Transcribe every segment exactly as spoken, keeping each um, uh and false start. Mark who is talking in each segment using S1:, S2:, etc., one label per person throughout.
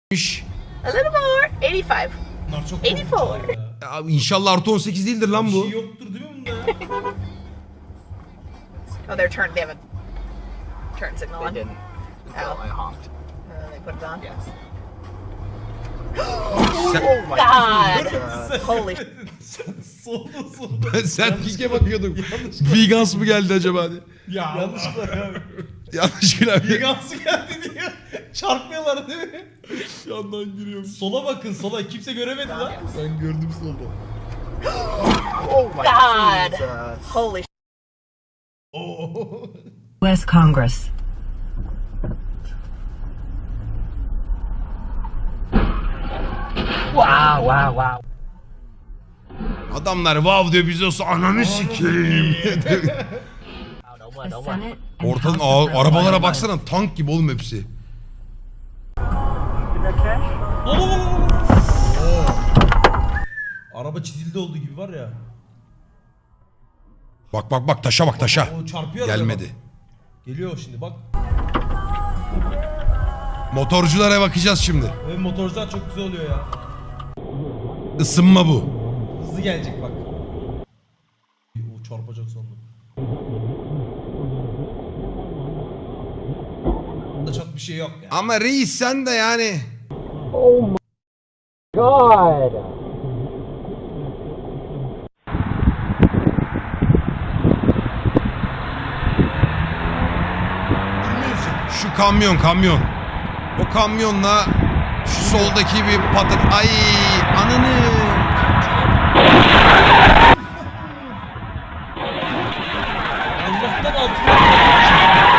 S1: A little more. eighty-five.
S2: Bunlar çok
S1: eighty-four.
S2: korkunçlar ya.
S3: Ya İnşallah artı on sekiz değildir lan
S2: Bir
S3: bu.
S2: şey yoktur değil mi bunda ya?
S1: Oh, they're turned. They have a turn signal
S4: They
S1: on.
S4: didn't. Until
S1: Oh.
S4: I honked.
S1: And then they put it on.
S4: Yes.
S3: Sen,
S4: Oh my
S1: God.
S4: God.
S1: Holy sh-
S2: Solda solda.
S3: ben sen pike bakıyordum. Vegans mı geldi acaba diye.
S2: Ya yanlışlıkla abi.
S3: Yanlışlıkla abi.
S2: Vegansı geldi diye çarpmıyorlar değil mi?
S3: Yandan giriyorum.
S2: Sola bakın sola kimse göremedi lan.
S3: Ben gördüm solda.
S4: Oh my
S1: God.
S4: Jesus.
S1: Holy sh-
S2: Oo.
S5: West Congress.
S4: Wow, wow, wow.
S3: Adamlar vav diyor biz olsa ananı sikeyim.
S4: No more,
S5: The
S4: no more.
S5: Senate and
S3: Ortadan
S5: House of
S3: a- arabalara
S5: Representatives.
S3: baksana, tank gibi oğlum hepsi.
S2: Oo. Oo. Araba çizildi olduğu gibi var ya.
S3: Bak bak bak, taşa bak, taşa.
S2: O çarpıyor arabaya
S3: Gelmedi.
S2: bak. Geliyor şimdi bak.
S3: Motorculara bakacağız şimdi.
S2: Ve motorcular çok güzel oluyor ya.
S3: Isınma bu.
S2: Hızlı gelecek bak. O çarpacak sandım. Da çok bir şey yok ya.
S3: Ama reis sen de yani.
S4: God.
S3: Şu kamyon kamyon. O kamyonla şu soldaki bir patır. Ay ananı.
S2: Allah'tan altına.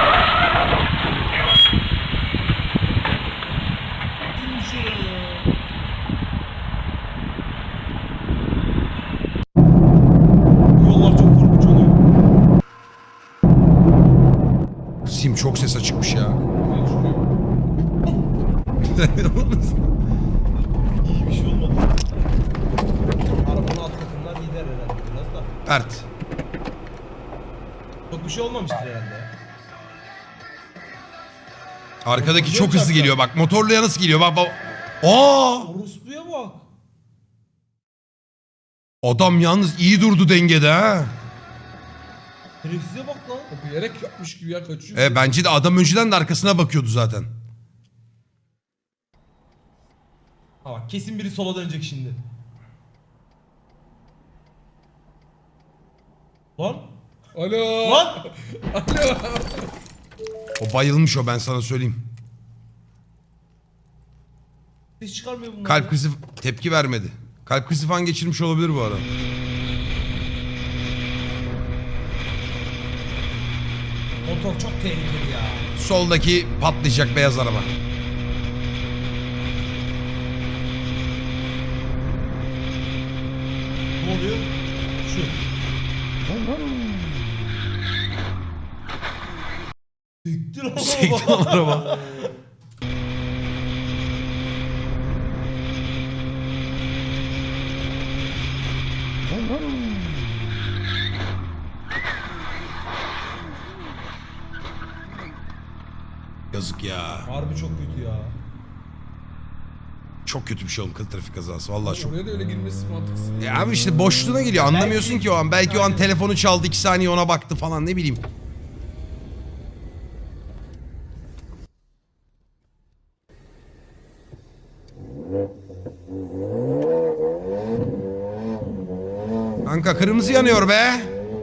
S2: Yollar çok korkunç oluyor.
S3: Sim çok ses açıkmış ya.
S2: İyi bir şey olmadı. Arabanın alt katından gider herhalde biraz da.
S3: Ert.
S2: Çok bir şey olmamıştır herhalde.
S3: Arkadaki çok hızlı geliyor bak. Motorluya nasıl geliyor bak bak. Aa!
S2: Orospu'ya bak.
S3: Adam yalnız iyi durdu dengede ha.
S2: Herifsize bak lan.
S6: Bilerek yapmış gibi ya, kaçıyor.
S3: E, bence de adam önceden de arkasına bakıyordu zaten.
S2: Ha bak kesin biri sola dönecek şimdi. Lan.
S6: Alo.
S2: Lan.
S3: O bayılmış o, ben sana söyleyeyim.
S2: Ses çıkarmıyor bunlar.
S3: Kalp
S2: ya.
S3: krizi tepki vermedi. Kalp krizi falan geçirmiş olabilir bu arada.
S2: Motor çok tehlikeli ya.
S3: Soldaki patlayacak beyaz araba.
S2: Ne oluyor? Şu. Siktir lan
S3: Sekti lan araba. Yazık ya.
S2: Harbi çok kötü ya.
S3: Çok kötü bir şey oğlum, kız trafik kazası. Vallahi çok.
S6: Oraya da öyle girmesi mantıksız.
S3: Ya abi işte boşluğuna geliyor. Anlamıyorsun
S2: Belki-
S3: ki o an. Belki o an telefonu çaldı, iki saniye ona baktı falan, ne bileyim. Kanka kırmızı yanıyor be.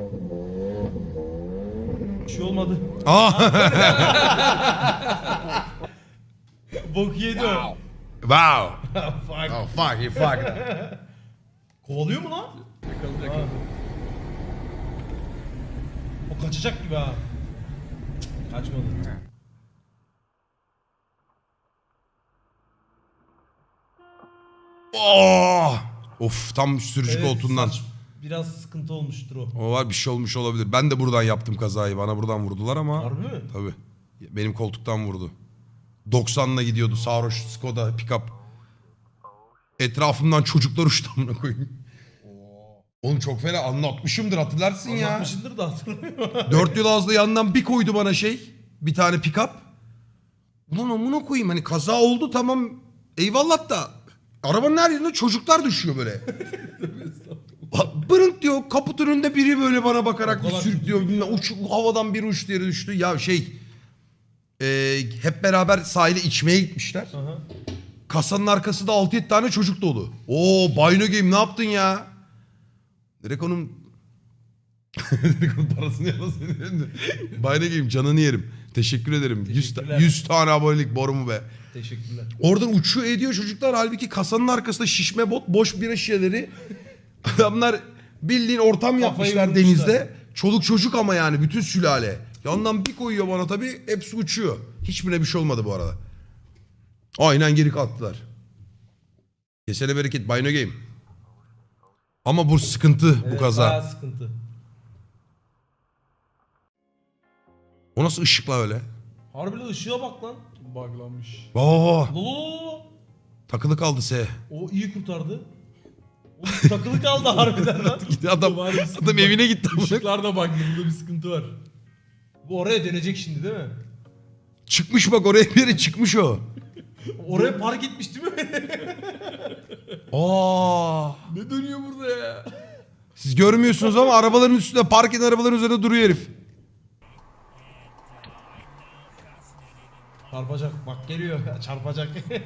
S2: Bir şey olmadı.
S3: Aa.
S2: Bok yedi o.
S3: Wow.
S2: Fuck.
S3: Oh fuck, you fuck.
S2: Kovalıyor mu lan?
S6: Yakaladı
S2: Ha.
S6: yakaladı.
S2: O kaçacak gibi ha. Cık, Kaçmadı.
S3: Oh. Of, tam sürücü
S2: Evet,
S3: koltuğundan.
S2: saç biraz sıkıntı olmuştur o.
S3: O var, bir şey olmuş olabilir. Ben de buradan yaptım kazayı. Bana buradan vurdular ama.
S2: Harbi mi?
S3: Tabii. Benim koltuktan vurdu. doksanla gidiyordu sarhoş Skoda pick-up. Etrafımdan çocuklar uçtu amına koyayım. Oğlum çok fena anlatmışımdır, hatırlarsın ya.
S2: Anlatmışındır da hatırlamıyorum.
S3: Dört yıl ağızlı yandan bir koydu bana şey. Bir tane pick-up. Ulan amına koyayım hani kaza oldu tamam eyvallah da arabanın her yerine çocuklar düşüyor böyle. Bırınk diyor kaput önünde biri böyle bana bakarak
S6: O
S3: bir
S6: kadar
S3: sürüklüyor.
S6: kötü
S3: Bilmem, uç, havadan bir uçtu yere düştü. Ya şey e, hep beraber sahile içmeye gitmişler.
S6: Aha.
S3: Kasanın arkası da altı yedi tane çocuk dolu. Oo Bino Game ne yaptın ya? Direkt onun direkt onun parasını yalasın. Bino Game canını yerim. Teşekkür ederim. yüz,
S6: Teşekkürler.
S3: yüz tane abonelik borumu be.
S6: Teşekkürler.
S3: Oradan uçuyor ediyor çocuklar. Halbuki kasanın arkasında şişme bot, boş bira şişeleri. Adamlar bildiğin ortam yapmışlar
S6: vurmuşlar.
S3: denizde. Çoluk çocuk ama yani bütün sülale. Yandan bir koyuyor bana tabii hepsi uçuyor. Hiçbirine bir şey olmadı bu arada. Aynen geri kalktılar. Kesene bereket Bino Game. Ama bu sıkıntı bu
S6: Evet,
S3: kaza.
S6: bayağı sıkıntı.
S3: O nasıl ışıkla öyle?
S6: Harbiden ışığa bak lan.
S2: Buglanmış.
S3: Oo,
S6: Lolo.
S3: takılı kaldı S.
S6: O iyi kurtardı. O takılı kaldı harbiden lan.
S3: Adam,
S6: Var bir sıkıntı
S3: adam
S6: var.
S3: evine gitti.
S6: Işıklar da bak burada bir sıkıntı var. Bu oraya dönecek şimdi değil mi?
S3: Çıkmış bak oraya bir yere çıkmış o.
S6: Oraya park etmiş değil mi?
S3: Aa.
S6: Ne dönüyor burada ya?
S3: Siz görmüyorsunuz ama arabaların üstünde park eden arabaların üzerinde duruyor herif.
S6: Çarpacak bak geliyor çarpacak.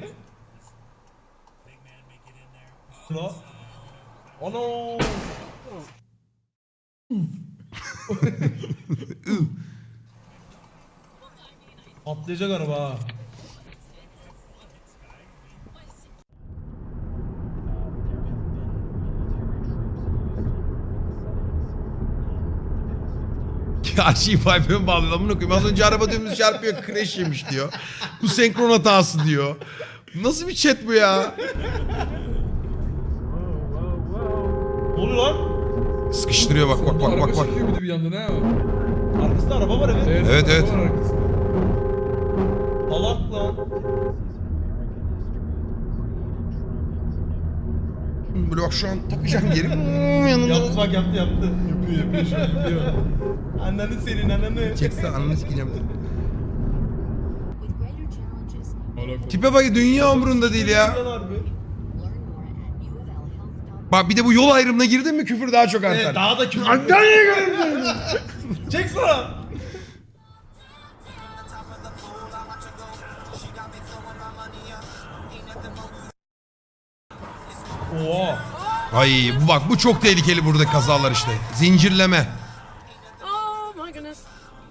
S6: La. Ano. Patlayacak araba ha.
S3: Ya şey Vibe'e bağlıyor. Amına koyayım. Az önce araba dümdüz çarpıyor. Crash yemiş diyor. Bu senkron hatası diyor. Nasıl bir chat bu ya?
S6: Ne oluyor lan?
S3: Sıkıştırıyor bak bak bak
S2: Araba
S3: bak bak.
S2: çekiyor bir de bir yandan ha.
S6: Arkasında araba var evet.
S3: Evet, evet.
S2: araba var arkasında.
S6: Salak lan.
S3: Böyle bak şu an takacağım geri. Hmm, yanında.
S6: Yaptı bak yaptı yaptı. Yapıyor yapıyor şu an yapıyor. Ananı senin ananı.
S3: Çekse anını sikeceğim.
S5: With greater challenges,
S2: Alakalı.
S3: Tipe bak dünya umurunda değil ya.
S6: Lan harbi.
S5: learn more at U of L health.
S3: Bak bir de bu yol ayrımına girdin mi küfür daha çok artar.
S6: Evet daha da küfür. Çek sana. Oha.
S3: Ay bu bak bu çok tehlikeli burada kazalar işte. Zincirleme.
S1: Oh my goodness.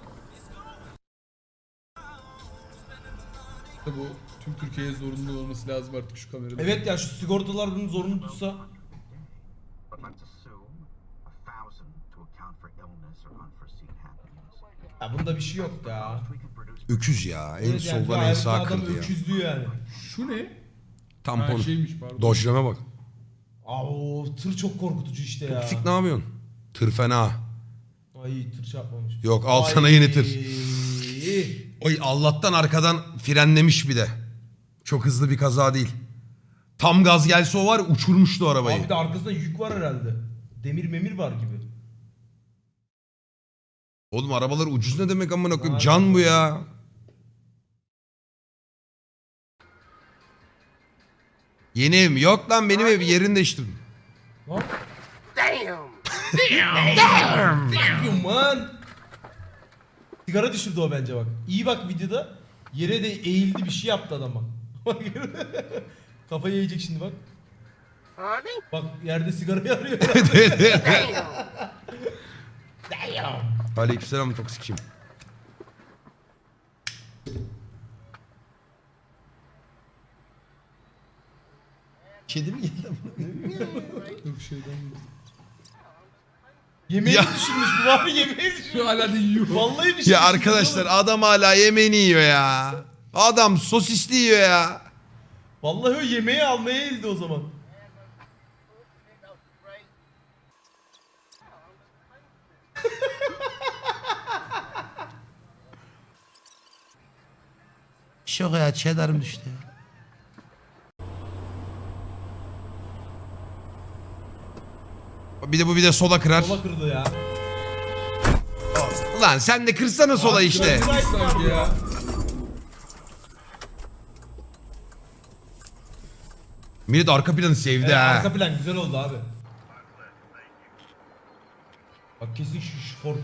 S2: Bu tüm Türkiye'ye zorunlu olması lazım artık şu kamerada.
S6: Evet ya şu sigortalar bunun zorunu tutsa.
S7: But let's assume a thousand to account for illness or unforeseen happenings.
S6: Ya bunda bir şey yok ya.
S7: We can produce
S3: Öküz ya. En
S6: Evet yani
S3: soldan
S6: şu
S3: en
S6: hayatta
S3: sağ
S6: adam
S3: kırdı ya.
S6: öküzlüğü yani.
S2: Şu ne?
S3: Tampon.
S2: Ha şeymiş pardon.
S3: Dojleme bak.
S6: Aa o tır çok korkutucu işte ya.
S3: Toksik ne yapıyorsun? Tır fena.
S6: Ay tır çarpmamış.
S3: Yok al sana
S6: Ay.
S3: yeni tır. Oy Allah'tan arkadan frenlemiş bir de. Çok hızlı bir kaza değil. Tam gaz gelse o var ya, uçurmuştu arabayı.
S6: Abi de arkasında yük var herhalde. Demir memir var gibi.
S3: Oğlum arabalar ucuz ne demek amına koyayım?
S6: Aynen.
S3: Can bu ya. Yeni ev mi? Yok lan benim ev yerini değiştirdim.
S6: Lan. Damn. Damn. Damn. Man. Sigara düşürdü o bence bak. İyi bak videoda. Yere de eğildi bir şey yaptı adam bak. Kafayı yiyecek şimdi bak. Bak yerde sigarayı arıyor. Damn.
S3: Aleykümselam toksikçim. Kedi mi geldi?
S2: Yok şeyden.
S6: Yemeği
S3: Ya.
S6: düşürmüş bu abi yemeği düşürmüş.
S2: Şu hala da yiyor.
S6: Vallahi bir şey
S3: Ya
S6: düşürmüş
S3: arkadaşlar
S6: oğlum.
S3: adam hala yemeğini yiyor ya. Adam sosisli yiyor ya.
S6: Vallahi o yemeği almaya eğildi o zaman.
S3: Şok ya cheddar'ım düştü ya. Bir de bu bir de sola kırar.
S6: Sola kırdı ya.
S3: Ulan sen de kırsana sola işte.
S6: Kırdı
S2: Sanki ya.
S3: Millet arka planı sevdi
S6: Evet,
S3: ha.
S6: arka plan güzel oldu abi. Bak kesin şu, şu Ford.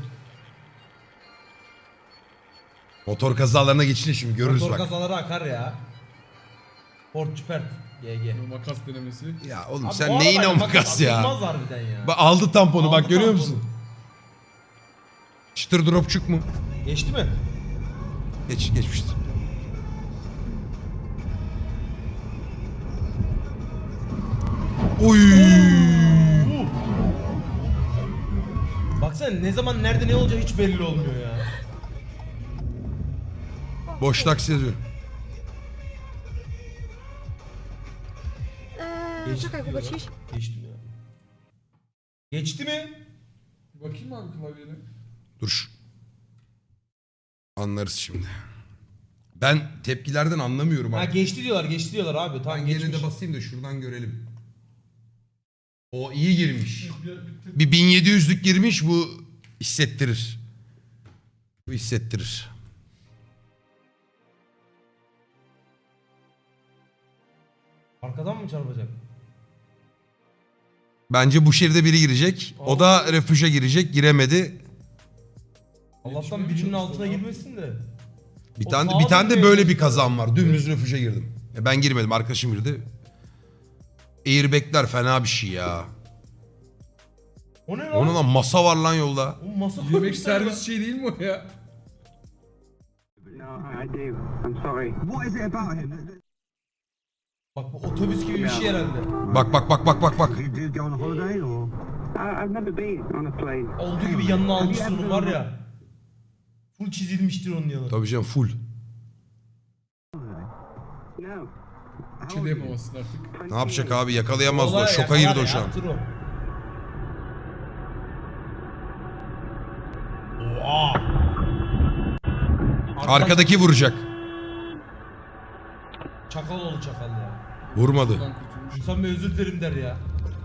S3: Motor kazalarına geçince şimdi görürüz
S6: Motor
S3: bak.
S6: kazaları akar ya. Ford Cüpert. G G.
S2: Makas denemesi.
S3: Ya oğlum
S6: Abi
S3: sen
S6: bu
S3: neyin o
S6: arabayla
S3: makas ya?
S6: atılmaz harbiden ya.
S3: Bak aldı tamponu
S6: Aldı
S3: bak görüyor
S6: tamponu.
S3: musun? Çıtır dropçuk mu?
S6: Geçti mi?
S3: Geç, geçmiştir. Oy!
S6: Baksana ne zaman nerede ne olacağı hiç belli olmuyor ya.
S3: Boş taksi yazıyor.
S1: Eee,
S6: Geçti
S1: czekaj,
S6: diyorlar.
S1: Kubaciś.
S6: Geçti mi ya? Geçti mi?
S2: Bakayım abi klavyene.
S3: Dur. şu- Anlarız şimdi. Ben tepkilerden anlamıyorum
S6: Ha
S3: abi.
S6: geçti diyorlar, geçti diyorlar abi. Tamam
S3: Ben gene
S6: geçmiş.
S3: de basayım da şuradan görelim. O iyi girmiş.
S2: Bir, bir,
S3: Bir bin yedi yüzlük girmiş bu hissettirir. Bu hissettirir.
S6: Arkadan mı çarpacak?
S3: Bence bu şeride biri girecek. O da refüje girecek. Giremedi.
S6: Allah'tan
S2: Yetişmeye
S6: birinin
S2: çalıştı
S6: altına
S2: lan.
S6: girmesin de.
S3: Bir
S6: O
S3: tane
S6: sağa
S3: bir tane de
S6: dönmeye
S3: böyle bir
S6: çalışıyor.
S3: kazan var. Dümdüz refüje girdim. E ben girmedim. Arkadaşım girdi. Airbag'ler fena bir şey ya.
S6: O ne lan?
S3: Onun lan masa var lan yolda.
S6: O masa
S2: Yemek
S6: koymuşlar
S2: servis şey değil mi o ya?
S8: No, I do. I'm sorry. What is it about him?
S6: ya. Bak bu otobüs gibi bir şey herhalde.
S3: Bak bak bak bak bak bak.
S8: Did you go on a holiday or? I, I've never been on a plane.
S6: Olduğu gibi yanına almıştır onu var ya. Full çizilmiştir onun yanı.
S3: Tabii canım full.
S8: No.
S2: Bir şey de yapamazsın artık.
S3: Ne yapacak abi yakalayamaz o.
S6: Vallahi
S3: Şoka
S6: yakalar
S3: girdi o
S6: ya,
S3: şu an.
S6: yaptır o. Oha! Arkadan-
S3: Arkadaki vuracak.
S6: Çakal oldu çakal ya.
S3: Vurmadı.
S2: Buradan kurtulmuş.
S6: İnsan bir özür dilerim der ya.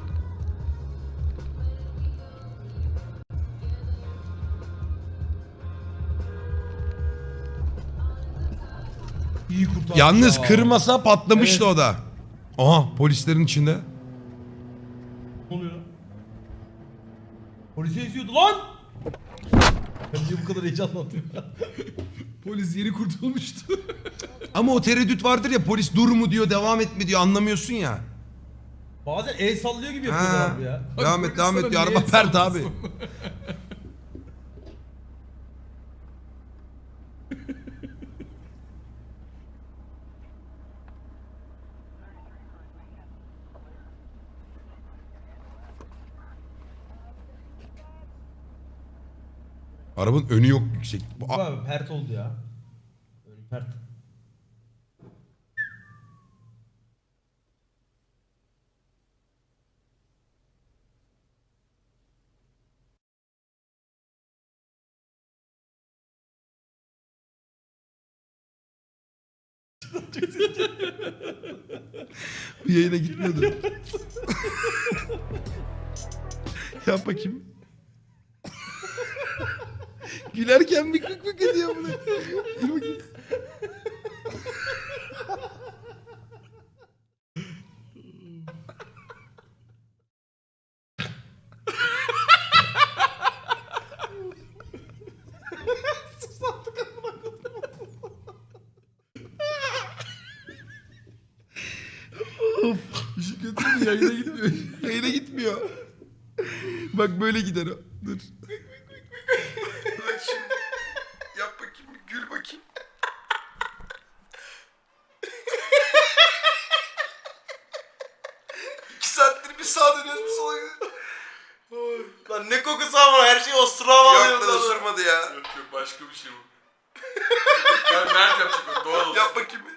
S6: İyi kurtardı
S3: Yalnız
S6: ya.
S3: kırmasa patlamıştı
S6: Evet.
S3: o da. Aha polislerin içinde.
S6: Ne oluyor lan? Polise eziyordu lan! Ben niye bu kadar heyecanlandım ya?
S2: Polis yeni kurtulmuştu.
S3: Ama o tereddüt vardır ya polis dur mu diyor devam et mi diyor anlamıyorsun ya.
S6: Bazen el sallıyor gibi yapıyorlar
S3: Ha.
S6: abi ya.
S3: Devam et
S2: Polis
S3: devam
S2: sana
S3: et diyor
S2: niye
S3: araba pert abi.
S2: sallasın?
S3: Arabanın önü yok yüksek. Bu-
S6: Bu abi pert oldu ya. Önü pert.
S3: Bu yayına gitmiyordu. Yap bakayım. Gülerken bir kık kık ediyor bunu. Dur bakayım.
S2: İşi kötü mü? Yayına gitmiyor.
S3: Yayına gitmiyor. Bak böyle gider o. Dur. Bak şimdi. Yap bakayım. Gül bakayım. İki saattir bir sağa dönüyoruz bir sola gidiyoruz.
S9: Lan ne kokusu ama her şey ostura bağlıyor.
S3: Yok lan ısırmadı ya.
S2: Yok yok başka bir şey bu. Ben Mert yapacak o doğal olsun.
S3: Yap bakayım.